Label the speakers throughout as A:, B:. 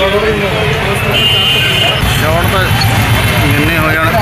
A: Shot ਤਾਂ ਜਿੰਨੇ ਹੋ ਜਾਣ।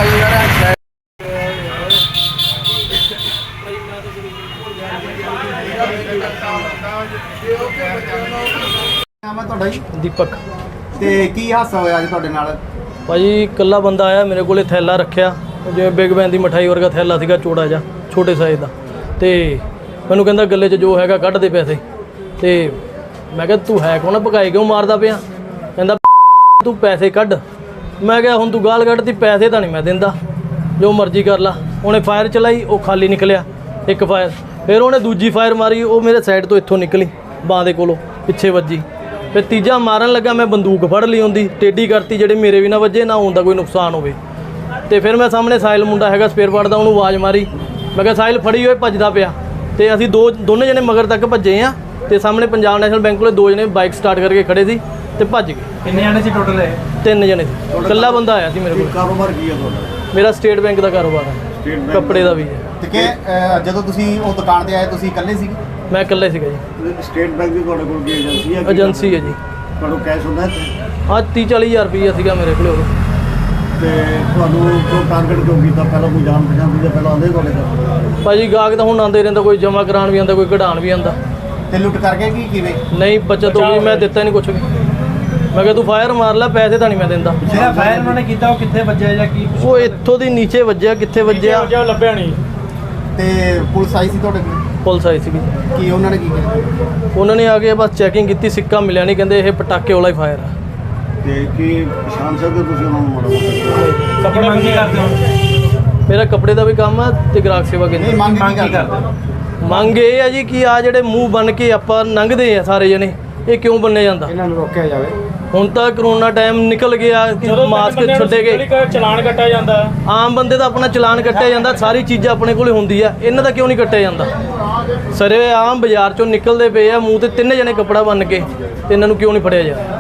B: ਨਾਮ ਹੈ ਤੁਹਾਡਾ ਜੀ?
C: ਦੀਪਕ।
B: ਤੇ ਕੀ ਹਾਦਸਾ ਹੋਇਆ ਅੱਜ ਤੁਹਾਡੇ ਨਾਲ?
C: ਭਾਜੀ ਇਕੱਲਾ ਬੰਦਾ ਆਇਆ, ਮੇਰੇ ਕੋਲੇ ਥੈਲਾ ਰੱਖਿਆ, ਜਿਵੇਂ ਬਿਗ ਬੈਨ ਦੀ ਮਠਾਈ ਵਰਗਾ ਥੈਲਾ ਸੀਗਾ, ਚੌੜਾ ਜਿਹਾ, ਛੋਟੇ ਸਾਈਜ਼ ਦਾ। ਤੇ ਮੈਨੂੰ ਕਹਿੰਦਾ ਗੱਲੇ 'ਚ ਜੋ ਹੈਗਾ ਕੱਢ ਦੇ ਪੈਸੇ। ਤੇ ਮੈਂ ਕਿਹਾ ਤੂੰ ਹੈ ਕੌਣ, ਭਕਾਈ ਕਿਉਂ ਮਾਰਦਾ ਪਿਆ? ਕਹਿੰਦਾ ਤੂੰ ਪੈਸੇ ਕੱਢ। ਮੈਂ ਕਿਹਾ ਹੁਣ ਤੂੰ ਗਾਲ ਕੱਢਤੀ, ਪੈਸੇ ਤਾਂ ਨਹੀਂ ਮੈਂ ਦਿੰਦਾ, ਜੋ ਮਰਜ਼ੀ ਕਰ ਲਾ। ਉਹਨੇ ਫਾਇਰ ਚਲਾਈ, ਉਹ ਖਾਲੀ ਨਿਕਲਿਆ ਇੱਕ ਫਾਇਰ। ਫਿਰ ਉਹਨੇ ਦੂਜੀ ਫਾਇਰ ਮਾਰੀ, ਉਹ ਮੇਰੇ ਸਾਈਡ ਤੋਂ ਇੱਥੋਂ ਨਿਕਲੀ, ਬਾਂਹ ਦੇ ਕੋਲੋਂ ਪਿੱਛੇ ਵੱਜੀ। ਫਿਰ ਤੀਜਾ ਮਾਰਨ ਲੱਗਾ, ਮੈਂ ਬੰਦੂਕ ਫੜ ਲਈ ਹੁੰਦੀ, ਟੇਢੀ ਕਰਤੀ, ਜਿਹੜੇ ਮੇਰੇ ਵੀ ਨਾ ਵੱਜੇ, ਨਾ ਹੁੰਦਾ ਕੋਈ ਨੁਕਸਾਨ ਹੋਵੇ। ਤੇ ਫਿਰ ਮੈਂ ਸਾਹਮਣੇ ਸਾਹਿਲ ਮੁੰਡਾ ਹੈਗਾ ਸਪੇਅਰ ਪਾਰਟ ਦਾ, ਉਹਨੂੰ ਆਵਾਜ਼ ਮਾਰੀ। ਮੈਂ ਕਿਹਾ ਸਾਹਿਲ ਫੜੀ ਹੋਏ, ਭੱਜਦਾ ਪਿਆ। ਤੇ ਅਸੀਂ ਦੋਨੇ ਜਣੇ ਮਗਰ ਤੱਕ ਭੱਜੇ ਆ। ਤੇ ਸਾਹਮਣੇ ਪੰਜਾਬ ਨੈਸ਼ਨਲ ਬੈਂਕ ਕੋਲੇ 2 ਜਣੇ ਬਾਈਕ ਸਟਾਰਟ ਕਰਕੇ ਖੜੇ ਸੀ ਤੇ ਭੱਜ ਗਏ।
B: ਕਿੰਨੇ ਜਣੇ ਸੀ ਟੋਟਲ?
C: 3 ਜਣੇ ਸੀ, ਇਕੱਲਾ ਬੰਦਾ ਆਇਆ ਸੀ ਮੇਰੇ ਕੋਲ।
B: ਕਾਰੋਬਾਰ ਕੀ ਹੈ ਤੁਹਾਡਾ?
C: ਮੇਰਾ ਸਟੇਟ ਬੈਂਕ ਦਾ ਕਾਰੋਬਾਰ ਹੈ, ਕੱਪੜੇ ਦਾ ਵੀ ਹੈ।
B: ਤੇ ਕਿ ਜਦੋਂ ਤੁਸੀਂ ਉਹ ਦੁਕਾਨ ਤੇ ਆਏ ਤੁਸੀਂ ਇਕੱਲੇ ਸੀਗੇ?
C: ਮੈਂ ਇਕੱਲਾ ਸੀਗਾ ਜੀ।
B: ਸਟੇਟ ਬੈਂਕ ਦੀ ਤੁਹਾਡੇ ਕੋਲ ਕੀ ਏਜੰਸੀ ਹੈ?
C: ਏਜੰਸੀ ਹੈ ਜੀ।
B: ਤੁਹਾਨੂੰ ਕੈਸ਼ ਹੁੰਦਾ
C: ਹਾਂ 30-40 ਹਜ਼ਾਰ ਰੁਪਈਆ ਸੀਗਾ ਮੇਰੇ ਕੋਲ।
B: ਤੇ ਤੁਹਾਨੂੰ ਜੋ ਟਾਰਗੇਟ ਕਿਉਂ ਕੀਤਾ? ਪਹਿਲਾਂ ਕੋਈ ਜਾਣ ਪਛਾਣ ਦੀ ਜਾਂ ਪਹਿਲਾਂ ਆਉਂਦੇ ਤੁਹਾਡੇ ਕੋਲ?
C: ਭਾਜੀ ਗਾਹਕ ਤਾਂ ਹੁਣ ਆਉਂਦੇ ਰਹਿੰਦਾ, ਕੋਈ ਜਮ੍ਹਾਂ ਕਰਾਉਣ ਵੀ ਆਉਂਦਾ, ਕੋਈ ਕਢਾਉਣ ਵੀ ਆਉਂਦਾ।
B: ਤੇ ਲੁੱਟ ਕਰਕੇ ਕੀ ਕਿਵੇਂ?
C: ਨਹੀਂ ਬੱਚਤ ਹੋ ਗਈ, ਮੈਂ ਦਿੱਤਾ ਨਹੀਂ ਕੁਛ ਵੀ। ਮੈਂ ਕਿਹਾ ਤੂੰ ਫਾਇਰ ਮਾਰ ਲੈ, ਪੈਸੇ ਤਾਂ ਨਹੀਂ ਮੈਂ ਦਿੰਦਾ।
D: ਜਿਹੜਾ ਫਾਇਰ ਉਹਨਾਂ ਨੇ ਕੀਤਾ ਉਹ ਕਿੱਥੇ ਵੱਜਿਆ ਜਾਂ ਕੀ?
C: ਉਹ ਇੱਥੋਂ ਦੀ ਨੀਚੇ ਵੱਜਿਆ, ਕਿੱਥੇ ਵੱਜਿਆ
D: ਲੱਭਿਆ ਨਹੀਂ।
B: ਤੇ ਪੁਲਿਸ ਆਈ ਸੀ ਤੁਹਾਡੇ ਕੋਲ?
C: ਪੁਲਿਸ ਆਈ ਸੀਗੀ।
B: ਕੀ ਉਹਨਾਂ ਨੇ ਕੀ ਕੀਤਾ?
C: ਉਹਨਾਂ ਨੇ ਆ ਕੇ ਬਸ ਚੈਕਿੰਗ ਕੀਤੀ, ਸਿੱਕਾ ਮਿਲਿਆ ਨਹੀਂ, ਕਹਿੰਦੇ ਇਹ ਪਟਾਕੇ ਵਾਲਾ ਹੀ ਫਾਇਰ ਆ।
B: ਤੇ ਕੀ ਪਛਾਣ ਸਕਦੇ ਤੁਸੀਂ ਉਹਨਾਂ ਨੂੰ ਮਾੜਾ ਮੋਟਾ?
D: ਕੱਪੜੇ ਮੰਗੀ ਕਰਦੇ ਹੋ?
C: ਮੇਰਾ ਕੱਪੜੇ ਦਾ ਵੀ ਕੰਮ ਆ ਤੇ ਗ੍ਰਾਹਕ ਸੇਵਾ
B: ਨਹੀਂ
C: ਕੇਂਦਰ।
B: ਮੰਗ ਕੀ ਕਰਦੇ?
C: ਮੰਗ ਇਹ ਆ ਜੀ ਕਿ ਆ ਜਿਹੜੇ ਮੂੰਹ ਬਣ ਕੇ ਆਪਾਂ ਲੰਘਦੇ ਆ ਸਾਰੇ ਜਣੇ, ਇਹ ਕਿਉਂ ਬੰਨਿਆ ਜਾਂਦਾ?
D: ਇਹਨਾਂ ਨੂੰ ਰੋਕਿਆ ਜਾਵੇ।
C: ਹੁਣ ਤਾਂ ਕਰੋਨਾ ਟਾਈਮ ਨਿਕਲ ਗਿਆ, ਮਾਸਕ ਛੱਡੇ ਗਏ,
D: ਚਲਾਨ ਕੱਟਿਆ ਜਾਂਦਾ।
C: ਆਮ ਬੰਦੇ ਦਾ ਆਪਣਾ ਚਲਾਨ ਕੱਟਿਆ ਜਾਂਦਾ, ਸਾਰੀ ਚੀਜ਼ਾਂ ਆਪਣੇ ਕੋਲੇ ਹੁੰਦੀ ਆ, ਇਹਨਾਂ ਦਾ ਕਿਉਂ ਨਹੀਂ ਕੱਟਿਆ ਜਾਂਦਾ? ਸਾਰੇ ਆਮ ਬਾਜ਼ਾਰ ਚੋਂ ਨਿਕਲਦੇ ਪਏ ਆ ਮੂੰਹ ਤੇ 3 ਜਣੇ ਕੱਪੜਾ ਬੰਨ ਕੇ, ਤੇ ਇਹਨਾਂ ਨੂੰ ਕਿਉਂ ਨਹੀਂ ਫੜਿਆ ਜਾਂਦਾ?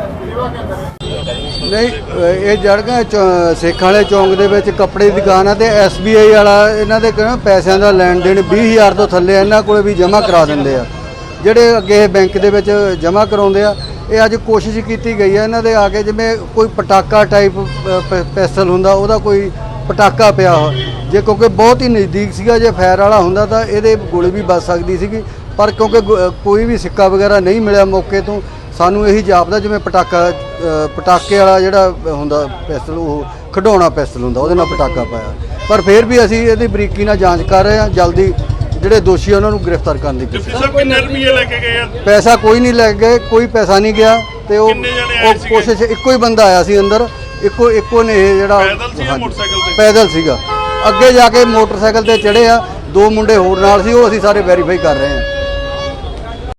E: ਨਹੀਂ ਇਹ ਜੜਗਾ ਸੇਖਾਂ ਵਾਲੇ ਚੌਂਕ ਦੇ ਵਿੱਚ ਕੱਪੜੇ ਦੀ ਦੁਕਾਨ ਆ ਤੇ SBI ਵਾਲਾ ਇਹਨਾਂ ਦੇ ਪੈਸਿਆਂ ਦਾ ਲੈਣ ਦੇਣ 20,000 ਤੋਂ ਥੱਲੇ ਇਹਨਾਂ ਕੋਲੇ ਵੀ ਜਮ੍ਹਾਂ ਕਰਾ ਦਿੰਦੇ ਆ। ਜਿਹੜੇ ਅੱਗੇ ਬੈਂਕ ਦੇ ਵਿੱਚ ਜਮ੍ਹਾਂ ਕਰਾਉਂਦੇ ਆ, ਇਹ ਅੱਜ ਕੋਸ਼ਿਸ਼ ਕੀਤੀ ਗਈ ਹੈ ਇਹਨਾਂ ਦੇ ਆ ਕੇ, ਜਿਵੇਂ ਕੋਈ ਪਟਾਕਾ ਟਾਈਪ ਪੈਸਲ ਹੁੰਦਾ, ਉਹਦਾ ਕੋਈ ਪਟਾਕਾ ਪਿਆ ਜੇ, ਕਿਉਂਕਿ ਬਹੁਤ ਹੀ ਨਜ਼ਦੀਕ ਸੀਗਾ, ਜੇ ਫਾਇਰ ਵਾਲਾ ਹੁੰਦਾ ਤਾਂ ਇਹਦੇ ਗੋਲੀ ਵੀ ਵੱਜ ਸਕਦੀ ਸੀਗੀ। ਪਰ ਕਿਉਂਕਿ ਕੋਈ ਵੀ ਸਿੱਕਾ ਵਗੈਰਾ ਨਹੀਂ ਮਿਲਿਆ ਮੌਕੇ ਤੋਂ, ਸਾਨੂੰ ਇਹੀ ਜਾਪਦਾ ਜਿਵੇਂ ਪਟਾਕੇ ਵਾਲਾ ਜਿਹੜਾ ਹੁੰਦਾ ਪਿਸਤਲ, ਉਹ ਖਿਡੌਣਾ ਪਿਸਤਲ ਹੁੰਦਾ, ਉਹਦੇ ਨਾਲ ਪਟਾਕਾ ਪਾਇਆ। ਪਰ ਫਿਰ ਵੀ ਅਸੀਂ ਇਹਦੀ ਬਰੀਕੀ ਨਾਲ ਜਾਂਚ ਕਰ ਰਹੇ ਹਾਂ, ਜਲਦੀ ਜਿਹੜੇ ਦੋਸ਼ੀ ਉਹਨਾਂ ਨੂੰ ਗ੍ਰਿਫਤਾਰ ਕਰਨ ਦੀ ਕੋਸ਼ਿਸ਼।
F: ਕਿੰਨੇ ਰੁਪਏ ਲੈ ਕੇ ਗਏ ਆ?
E: ਪੈਸਾ ਕੋਈ ਨਹੀਂ ਲੈ ਗਏ, ਕੋਈ ਪੈਸਾ ਨਹੀਂ ਗਿਆ। ਤੇ ਉਹ ਕੋਸ਼ਿਸ਼, ਇੱਕੋ ਹੀ ਬੰਦਾ ਆਇਆ ਸੀ ਅੰਦਰ, ਇੱਕੋ ਨੇ ਇਹ ਜਿਹੜਾ ਪੈਦਲ ਸੀਗਾ। ਅੱਗੇ ਜਾ ਕੇ ਮੋਟਰਸਾਈਕਲ ਤੇ ਚੜ੍ਹੇ ਆ, 2 ਮੁੰਡੇ ਹੋਰ ਨਾਲ ਸੀ, ਉਹ ਅਸੀਂ ਸਾਰੇ ਵੈਰੀਫਾਈ ਕਰ ਰਹੇ ਹਾਂ।